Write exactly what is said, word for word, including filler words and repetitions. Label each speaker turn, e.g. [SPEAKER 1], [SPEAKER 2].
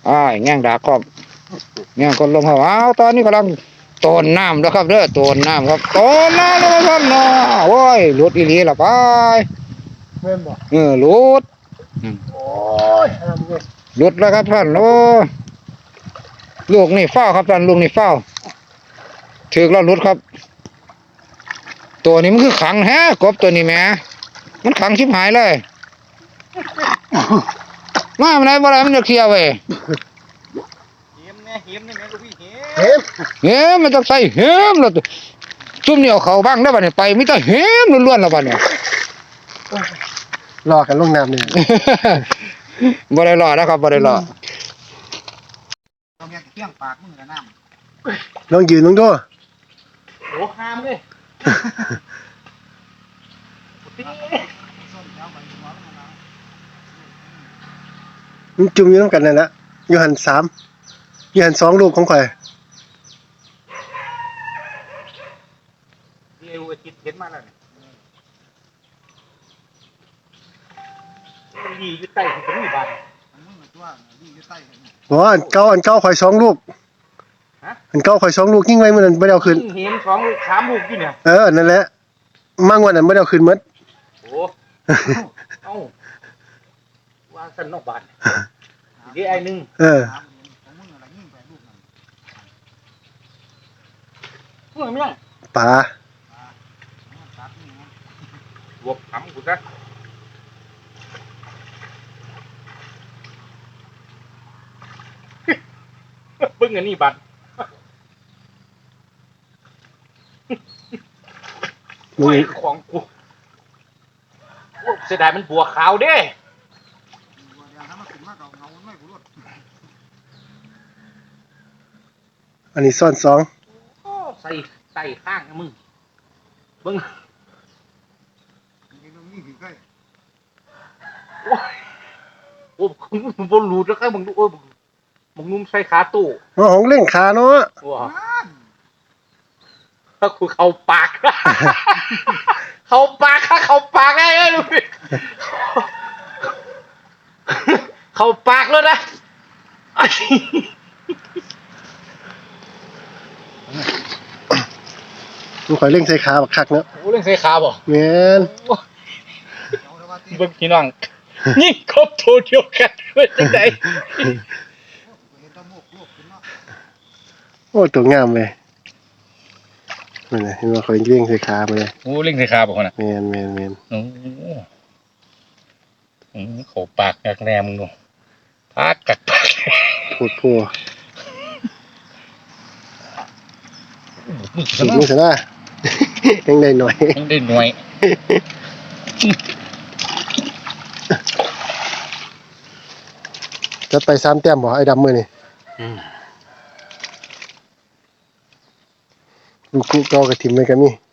[SPEAKER 1] อ้ายแง่งดาครอบแง่งคนลงเขาอ้าวตอนนี้กำลังโตนน้ำแล้วครับเด้อโตนน้ำครับโตนน้ำแล้วครับเนาะโอ้ยหลุดอีหลีละไปเม่นบ่เออหลุดโอ้ยหลุดแล้วครับท่านโอ้ลูกนี่เฝ้าครับท่านลูกนี่เฝ้าถือแล้วหลุดครับตัวนี้มันคือขังแฮะกบตัวนี้แหมมันขังชิบหายเลยมามันไหนบ่ได้มันจะเคลียร์เว้ยเห็มเนี่ยเห็มนี่แม่ลูกพี่เห็มเห็มมันต้องใส่เห็มแล้วซุ่มนี่เอาเขาบ้างได้ป่ะเนี่ยไปไม่ต้องเห็มล้วนๆแล้วป่ะเนี่ย
[SPEAKER 2] รอกันลงน้ำเนี่ย
[SPEAKER 1] บ่ได้รอนะครับบ่ได้รอต้องแยกเที่ยงปากมึงกับน้ำ
[SPEAKER 2] ลองยืนลงด้วย
[SPEAKER 1] โอ้ห้ามเลย
[SPEAKER 2] มันจุ่มอยู่น้ำกันนั่นแหละยูหันสามยูหันสองลูกของข่อย
[SPEAKER 1] เร็วอาทิตย์เห็นมาแล้วเนี่ยดีอยู่ใต้ถึงมีบ้านมึงเหมือนตัวดีอยู่ใต้
[SPEAKER 2] อ๋ออันเก้าอันเก้าข่อยสองลูกอันเก้าข่อยสองลูกยิ่งไว้มันไม่ได้เอาคืน
[SPEAKER 1] เห็นสองลูกสามลูกอยู่เนี่ย
[SPEAKER 2] เออนั่นแหละมั่งวันนั้นไม่ได้เอาคืนมัด
[SPEAKER 1] โอ้เอ้าวางสันนอกบ้านดีไอ้หนึ่ง
[SPEAKER 2] เออ
[SPEAKER 1] พวกมันยัง
[SPEAKER 2] ปลา
[SPEAKER 1] บวกขำกูซะเบิ้งอันนี้บัตรโอ้ยของกูเสียดายมันบัวขาวเด้
[SPEAKER 2] อันนี้ซ่อนสอง
[SPEAKER 1] ใส่ใส่ข้างนะมึงเบิ้งโอ้โหมึงบอลลูดแล้วก็มึงดูโอ้ยมึงนุ่มใส่ขาตู้
[SPEAKER 2] อ๋อของเล่งขาเนาะ
[SPEAKER 1] ถ้าคุณเขาปากเขาปากค่ะเขาปากไอ้ลูกพี่เขาปากแล้วนะ
[SPEAKER 2] มันข่อยเล่งใส่ขาบักคักเนาะ
[SPEAKER 1] โอ้เล่งใส่ขาบ่
[SPEAKER 2] แม่น
[SPEAKER 1] เบิ่งพี่น้องนี่ครบโทเดียวกันเป็นจังได๋
[SPEAKER 2] โอ้ตัวงามเลยนี่นะเห็นว่าเขาเล่งใส่ขามาเลย
[SPEAKER 1] โอ้เล่งใส่ขาบ่คนน่ะ
[SPEAKER 2] แม่นแม่นแม่น
[SPEAKER 1] โอ้อือเขาปากกักแนมึงดูปากกักปาก
[SPEAKER 2] พูดพัวสีมือเถอะนะยังได้หน่อย
[SPEAKER 1] ยังได้หน่อย
[SPEAKER 2] จะไปสามแต้มบ่ไอ้ดำมือนี่ลูกคู่เก่ากับทีมเลยกันนี่